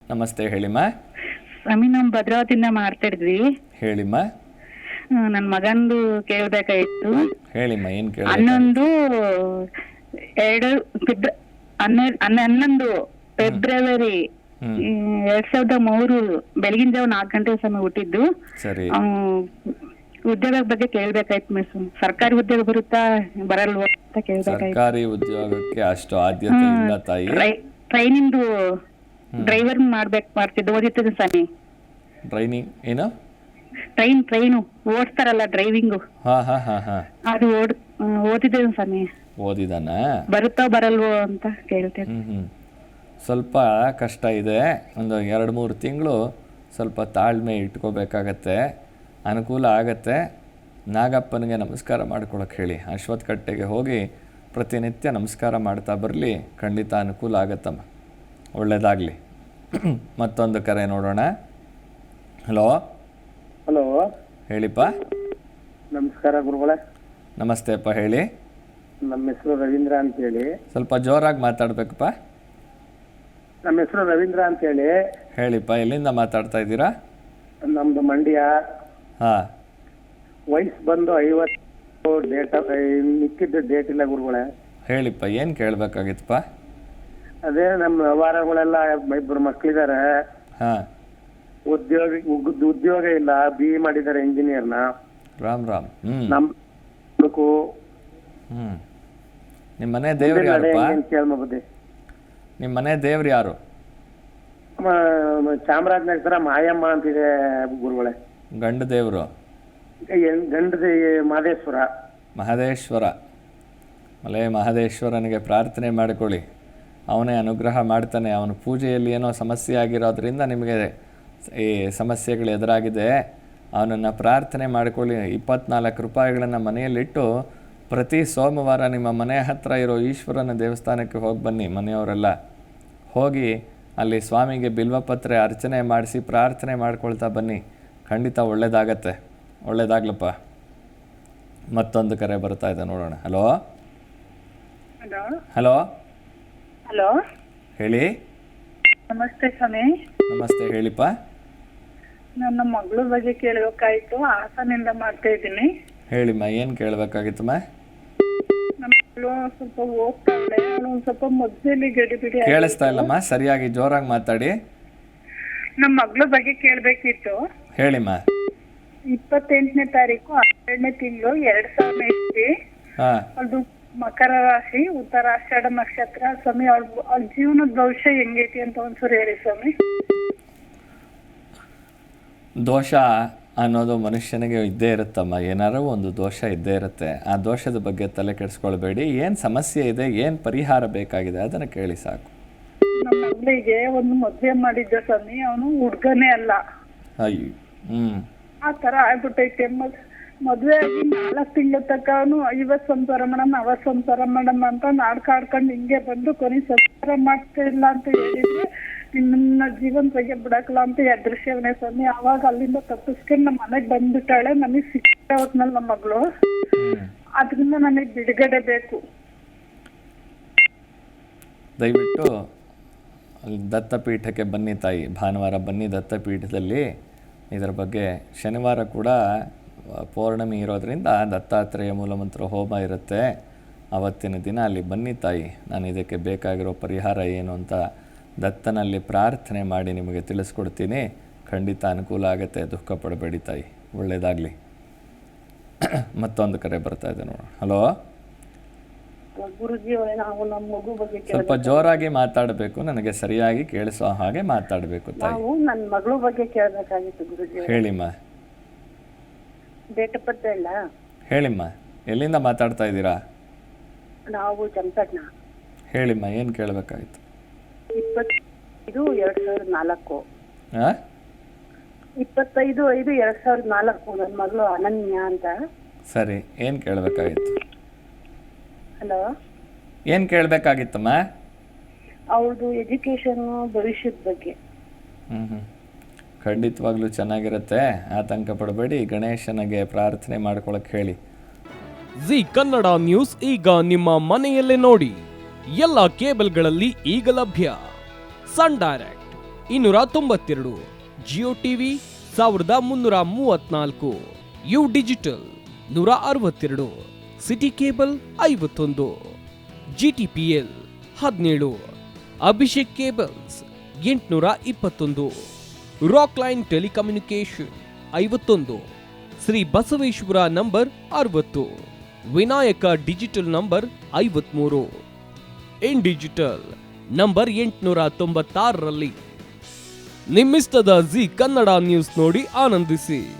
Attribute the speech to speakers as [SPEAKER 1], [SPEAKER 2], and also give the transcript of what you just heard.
[SPEAKER 1] ನಮಸ್ತೆ, ಹೇಳಿಮ್ಮ.
[SPEAKER 2] ಸ್ವಾಮಿ, ನಾವು ಭದ್ರಾವತಿಯಿಂದ ಮಾಡ್ತಿದ್ವಿ.
[SPEAKER 1] ಹೇಳಿಮ್ಮ.
[SPEAKER 2] ನನ್ನ ಮಗಂದು ಕೇಳ್ಬೇಕಾಯ್ತು.
[SPEAKER 1] ಹೇಳಿಮ್ಮ, ಏನು ಕೇಳ?
[SPEAKER 2] 11 ಫೆಬ್ರವರಿ 2003 ಬೆಳಗಿನ ಜಾವ 4 ಗಂಟೆ ಸಮಯ ಹುಟ್ಟಿದ್ದು.
[SPEAKER 1] ಸರಿ.
[SPEAKER 2] ಉದ್ಯೋಗ ಬಗ್ಗೆ ಕೇಳ್ಬೇಕಾಯ್ತು ಮಿಸ್. ಸರ್ಕಾರಿ ಉದ್ಯೋಗ ಬರುತ್ತಾ ಬರಲ್ವ ಅಂತ ಕೇಳ್ಬೇಕಾಯ್ತು.
[SPEAKER 1] ಸರ್ಕಾರಿ ಉದ್ಯೋಗಕ್ಕೆ ಅಷ್ಟು ಆದ್ಯತೆ ಇಲ್ಲ ತಾಯಿ.
[SPEAKER 2] ಟ್ರೈನಿಂದು ಡ್ರೈವರ್ ಮಾಡ್ತಿದ್ದು ಓದಿತ್ತು ಸ್ವಾಮಿ.
[SPEAKER 1] ಟ್ರೈನಿಂಗ್ ಏನು?
[SPEAKER 2] ಟ್ರೈನು ಓಡಿಸ್ತಾರಲ್ಲ, ಡ್ರೈವಿಂಗು. ಅದು ಓದಿದ್ದೆ ಸ್ವಾಮಿ.
[SPEAKER 1] ಓದಿದಾನ?
[SPEAKER 2] ಬರುತ್ತೋ ಬರಲ್ವೋ ಅಂತ ಕೇಳ್ತೇನೆ.
[SPEAKER 1] ಸ್ವಲ್ಪ ಕಷ್ಟ ಇದೆ. ಒಂದು 2-3 ತಿಂಗಳು ಸ್ವಲ್ಪ ತಾಳ್ಮೆ ಇಟ್ಕೋಬೇಕಾಗತ್ತೆ. ಅನುಕೂಲ ಆಗತ್ತೆ. ನಾಗಪ್ಪನಿಗೆ ನಮಸ್ಕಾರ ಮಾಡ್ಕೊಳಕ್ಕೆ ಹೇಳಿ. ಅಶ್ವತ್ಥ ಕಟ್ಟೆಗೆ ಹೋಗಿ ಪ್ರತಿನಿತ್ಯ ನಮಸ್ಕಾರ ಮಾಡ್ತಾ ಬರಲಿ, ಖಂಡಿತ ಅನುಕೂಲ ಆಗತ್ತಮ್ಮ. ಒಳ್ಳೆಯದಾಗಲಿ. ಮತ್ತೊಂದು ಕರೆ ನೋಡೋಣ. ಹಲೋ.
[SPEAKER 3] ಹಲೋ,
[SPEAKER 1] ಹೇಳಿಪ್ಪ.
[SPEAKER 3] ನಮಸ್ಕಾರ ಗುರುಗಳೇ.
[SPEAKER 1] ನಮಸ್ತೆ ಅಪ್ಪ, ಹೇಳಿ.
[SPEAKER 3] ನಮ್ಮ ಹೆಸರು ರವೀಂದ್ರ ಅಂತೇಳಿ.
[SPEAKER 1] ಸ್ವಲ್ಪ ಜೋರಾಗಿ ಮಾತಾಡ್ಬೇಕಪ್ಪ.
[SPEAKER 3] ನಮ್ಮ ಹೆಸರು ರವೀಂದ್ರ ಅಂತೇಳಿ.
[SPEAKER 1] ಹೇಳಿಪ್ಪ, ಎಲ್ಲಿಂದ ಮಾತಾಡ್ತಾ ಇದ್ದೀರಾ?
[SPEAKER 3] ನಮ್ದು ಮಂಡ್ಯ.
[SPEAKER 1] ಹಾಂ.
[SPEAKER 3] ವಯಸ್ಸು ಬಂದು 50. ಡೇಟ್ ಮಿಕ್ಕಿದ್ದು ಡೇಟ್ ಇಲ್ಲ ಗುರುಗಳೇ.
[SPEAKER 1] ಹೇಳಿಪ್ಪ, ಏನು ಕೇಳಬೇಕಾಗಿತ್ತಪ್ಪ?
[SPEAKER 3] ಅದೇ ನಮ್ಮ ವ್ಯವಹಾರಗಳೆಲ್ಲ 2 ಮಕ್ಕಳಿದ್ದಾರೆ.
[SPEAKER 1] ಹಾಂ.
[SPEAKER 3] ಉದ್ಯೋಗ ಇಲ್ಲ. BE ಮಾಡಿದ್ದಾರೆ, ಇಂಜಿನಿಯರ್ನ.
[SPEAKER 1] ರಾಮ್ ರಾಮ್.
[SPEAKER 3] ನಮ್ಮ
[SPEAKER 1] ನಿಮ್ಮ ಮನೆ ದೇವ್ರು ಯಾರಪ್ಪ?
[SPEAKER 3] ಕೇಳ್ಮಬುದ್ದಿ.
[SPEAKER 1] ನಿಮ್ಮ ಮನೆ ದೇವ್ರು ಯಾರು?
[SPEAKER 3] ಚಾಮರಾಜನಗರ ಮಾಯಮ್ಮ ಅಂತಿದೆ ಗುರುಗಳೇ.
[SPEAKER 1] ಗಂಡ ದೇವರು?
[SPEAKER 3] ಗಂಡದ ಮಹದೇಶ್ವರ.
[SPEAKER 1] ಮಹದೇಶ್ವರ. ಮಲೆ ಮಹದೇಶ್ವರನಿಗೆ ಪ್ರಾರ್ಥನೆ ಮಾಡಿಕೊಳ್ಳಿ. ಅವನೇ ಅನುಗ್ರಹ ಮಾಡ್ತಾನೆ. ಅವನ ಪೂಜೆಯಲ್ಲಿ ಏನೋ ಸಮಸ್ಯೆ ಆಗಿರೋದ್ರಿಂದ ನಿಮಗೆ ಈ ಸಮಸ್ಯೆಗಳು ಎದುರಾಗಿದೆ. ಅವನನ್ನು ಪ್ರಾರ್ಥನೆ ಮಾಡಿಕೊಳ್ಳಿ. 24 ರೂಪಾಯಿಗಳನ್ನು ಮನೆಯಲ್ಲಿಟ್ಟು ಪ್ರತಿ ಸೋಮವಾರ ನಿಮ್ಮ ಮನೆ ಹತ್ತಿರ ಇರೋ ಈಶ್ವರನ ದೇವಸ್ಥಾನಕ್ಕೆ ಹೋಗಿ ಬನ್ನಿ. ಮನೆಯವರೆಲ್ಲ ಹೋಗಿ ಅಲ್ಲಿ ಸ್ವಾಮಿಗೆ ಬಿಲ್ವಪತ್ರೆ ಅರ್ಚನೆ ಮಾಡಿಸಿ ಪ್ರಾರ್ಥನೆ ಮಾಡ್ಕೊಳ್ತಾ ಬನ್ನಿ. ಖಂಡಿತ ಒಳ್ಳೆಯದಾಗತ್ತೆ. ಒಳ್ಳೆಯದಾಗ್ಲಪ್ಪ. ಮತ್ತೊಂದು ಕರೆ ಬರ್ತಾ ಇದೆ, ನೋಡೋಣ. ಹಲೋ. ಹಲೋ.
[SPEAKER 2] ಹಲೋ,
[SPEAKER 1] ಹೇಳಿ.
[SPEAKER 2] ನಮಸ್ತೆ ಸ್ವಾಮಿ.
[SPEAKER 1] ನಮಸ್ತೆ, ಹೇಳಿಪ್ಪ.
[SPEAKER 2] ನನ್ನ ಮಗಳ ಬಗ್ಗೆ ಕೇಳಬೇಕಾಯ್ತು. ಹಾಸನಿಂದ ಮಾಡ್ತಾ ಇದ್ದೀನಿ.
[SPEAKER 1] ಹೇಳಿಮ್ಮ, ಏನು ಕೇಳಬೇಕಾಗಿತ್ತಮ್ಮ?
[SPEAKER 2] ನಮ್ಮ ಮಗಳು ಸ್ವಲ್ಪ ಓದ್ತಾಳೆ. ಅವಳು ಸ್ವಲ್ಪ ಮೊದಲೇ ಗಡಿಬಿಡಿ.
[SPEAKER 1] ಕೇಳಿಸ್ತಾ ಇಲ್ಲಮ್ಮ, ಸರಿಯಾಗಿ ಜೋರಾಗಿ ಮಾತಾಡಿ.
[SPEAKER 2] ನಮ್ಮ ಮಗಳ ಬಗ್ಗೆ ಕೇಳಬೇಕಿತ್ತು.
[SPEAKER 1] ಹೇಳಿಮ್ಮ.
[SPEAKER 2] 28ನೇ ತಾರೀಕು 12ನೇ ತಿಂಗಳು 2000
[SPEAKER 1] ಹಾಂ.
[SPEAKER 2] ಅದು ಮಕರ ರಾಶಿ, ಉತ್ತರಾಷಾಢ ನಕ್ಷತ್ರ. ಸ್ವಾಮಿ, ಅವ್ಳ ಜೀವನದ ಭವಿಷ್ಯ ಹೆಂಗೈತಿ ಅಂತ ಒಂದ್ಸರಿ ಹೇಳಿ ಸ್ವಾಮಿ.
[SPEAKER 1] ದೋಷ ಅನ್ನೋದು ಮನುಷ್ಯನಿಗೆ ಇದ್ದೇ ಇರುತ್ತಮ್ಮ. ಏನಾರು ಒಂದು ದೋಷ ಇದ್ದೇ ಇರುತ್ತೆ. ಆ ದೋಷದ ಬಗ್ಗೆ ತಲೆ ಕೆಡಿಸ್ಕೊಳ್ಬೇಡಿ. ಏನು ಸಮಸ್ಯೆ ಇದೆ, ಏನು ಪರಿಹಾರ ಬೇಕಾಗಿದೆ ಅದನ್ನು ಕೇಳಿ ಸಾಕು.
[SPEAKER 2] ನಮ್ಮ ಮಗಳಿಗೆ ಒಂದು ಮದುವೆ ಮಾಡಿದ್ದ ಸ್ವಾಮಿ. ಅವನು ಹುಡ್ಗನೇ ಅಲ್ಲ.
[SPEAKER 1] ಅಯ್ಯೋ.
[SPEAKER 2] ಆ ಥರ ಆಗ್ಬಿಟ್ಟೈತೆ. ಮದುವೆ ಆಗಿ 4 ತಿಂಗಳ ತನಕ ಅವನು 50 ಸಂಸಾರ ಮೇಡಮ್ 60 ಸಂಸಾರ ಮೇಡಮ್ ಅಂತ ನಾಡ್ಕಾಡ್ಕೊಂಡು ಹಿಂಗೆ ಬಂದು ಕೊನೆ ಸಂಸಾರ ಮಾಡ್ತಾ ಇಲ್ಲ ಅಂತ ಹೇಳಿದ್ರೆ ನಿನ್ನ ಜೀವನ ಬಗ್ಗೆ ಬಿಡಕಲ್ಲ ಅಂತ ಎದುರಿಸ್ಯವನೇ ಸ್ವಾಮಿ. ಅವಾಗ ಅಲ್ಲಿಂದ ತಪ್ಪಿಸ್ಕೊಂಡು ನಮ್ಮ ಮನೆಗೆ ಬಂದ್ಬಿಟ್ಟಾಳೆ. ನನಗೆ ಸಿಕ್ಕ ಹೊತ್ನಲ್ಲಿ ನಮ್ಮ ಮಗಳು. ಅದರಿಂದ ನನಗೆ ಬಿಡುಗಡೆ ಬೇಕು.
[SPEAKER 1] ದಯವಿಟ್ಟು ಅಲ್ಲಿ ದತ್ತಪೀಠಕ್ಕೆ ಬನ್ನಿ ತಾಯಿ. ಭಾನುವಾರ ಬನ್ನಿ ದತ್ತಪೀಠದಲ್ಲಿ. ಇದರ ಬಗ್ಗೆ ಶನಿವಾರ ಕೂಡ ಪೌರ್ಣಮಿ ಇರೋದರಿಂದ ದತ್ತಾತ್ರೇಯ ಮೂಲಮಂತ್ರ ಹೋಮ ಇರುತ್ತೆ. ಆವತ್ತಿನ ದಿನ ಅಲ್ಲಿ ಬನ್ನಿ ತಾಯಿ. ನಾನು ಇದಕ್ಕೆ ಬೇಕಾಗಿರೋ ಪರಿಹಾರ ಏನು ಅಂತ ದತ್ತನಲ್ಲಿ ಪ್ರಾರ್ಥನೆ ಮಾಡಿ ನಿಮಗೆ ತಿಳಿಸ್ಕೊಡ್ತೀನಿ. ಖಂಡಿತ ಅನುಕೂಲ ಆಗುತ್ತೆ. ದುಃಖ ಪಡಬೇಡಿ ತಾಯಿ. ಒಳ್ಳೆಯದಾಗಲಿ. ಮತ್ತೊಂದು ಕರೆ ಬರ್ತಾ ಇದೆ, ನೋಡೋಣ. ಹಲೋ.
[SPEAKER 2] ಗುರುಜಿ, ನಾವು ನಮ್ಮ ಮಗು ಬಗ್ಗೆ
[SPEAKER 1] ಸ್ವಲ್ಪ ಜೋರಾಗಿ ಮಾತಾಡಬೇಕು. ನನಗೆ ಸರಿಯಾಗಿ ಕೇಳಿಸೋ ಹಾಗೆ ಮಾತಾಡಬೇಕು ತಾಯಿ.
[SPEAKER 2] ನಾವು ನನ್ನ ಮಗಳ ಬಗ್ಗೆ ಕೇಳಬೇಕಾಗಿತ್ತು ಗುರುಜಿ.
[SPEAKER 1] ಹೇಳಿಮ್ಮ.
[SPEAKER 2] ಡೇಟ್ ಆಫ್ ಬರ್ತ್ ಇಲ್ಲ?
[SPEAKER 1] ಹೇಳಿಮ್ಮ, ಎಲ್ಲಿಂದ ಮಾತಾಡ್ತಾ ಇದ್ದೀರಾ?
[SPEAKER 2] ನಾವು ಚಂಪಟ್ನ.
[SPEAKER 1] ಹೇಳಿಮ್ಮ, ಏನು ಕೇಳಬೇಕಾಗಿತ್ತು?
[SPEAKER 2] 25/5/2004.
[SPEAKER 1] ಹಾಂ.
[SPEAKER 2] 25/5/2004. ನನ್ನ ಮಗಳು ಅನನ್ಯ ಅಂತ.
[SPEAKER 1] ಸರಿ, ಏನು ಕೇಳಬೇಕಾಗಿತ್ತು?
[SPEAKER 2] ಹಲೋ.
[SPEAKER 1] ಏನು ಕೇಳಬೇಕಾಗಿತ್ತಮ್ಮ?
[SPEAKER 2] ಅವ್ರದ್ದು ಎಜುಕೇಶನ್ ಭವಿಷ್ಯದ ಬಗ್ಗೆ.
[SPEAKER 1] ಖಂಡಿತವಾಗ್ಲೂ ಚೆನ್ನಾಗಿರುತ್ತೆ. ಆತಂಕ ಪಡಬೇಡಿ. ಗಣೇಶನಿಗೆ ಪ್ರಾರ್ಥನೆ ಮಾಡ್ಕೊಳಕ್ಕೆ ಹೇಳಿ.
[SPEAKER 4] ಜಿ ಕನ್ನಡ ನ್ಯೂಸ್ ಈಗ ನಿಮ್ಮ ಮನೆಯಲ್ಲೇ ನೋಡಿ. ಎಲ್ಲ ಕೇಬಲ್ಗಳಲ್ಲಿ ಈಗ ಲಭ್ಯ. Sun Direct, 292, Jio TV 1334, U Digital 162, City Cable 51, GTPL 17, Abhishek Cables 821, Rock Line Telecommunication 51, Shri Basaveshwara number 60, Vinayaka Digital number 53, In Digital number 896ರಲ್ಲಿ. ನಿಮ್ಮಿಸ್ತದ ಜಿ ಕನ್ನಡ ನ್ಯೂಸ್ ನೋಡಿ ಆನಂದಿಸಿ.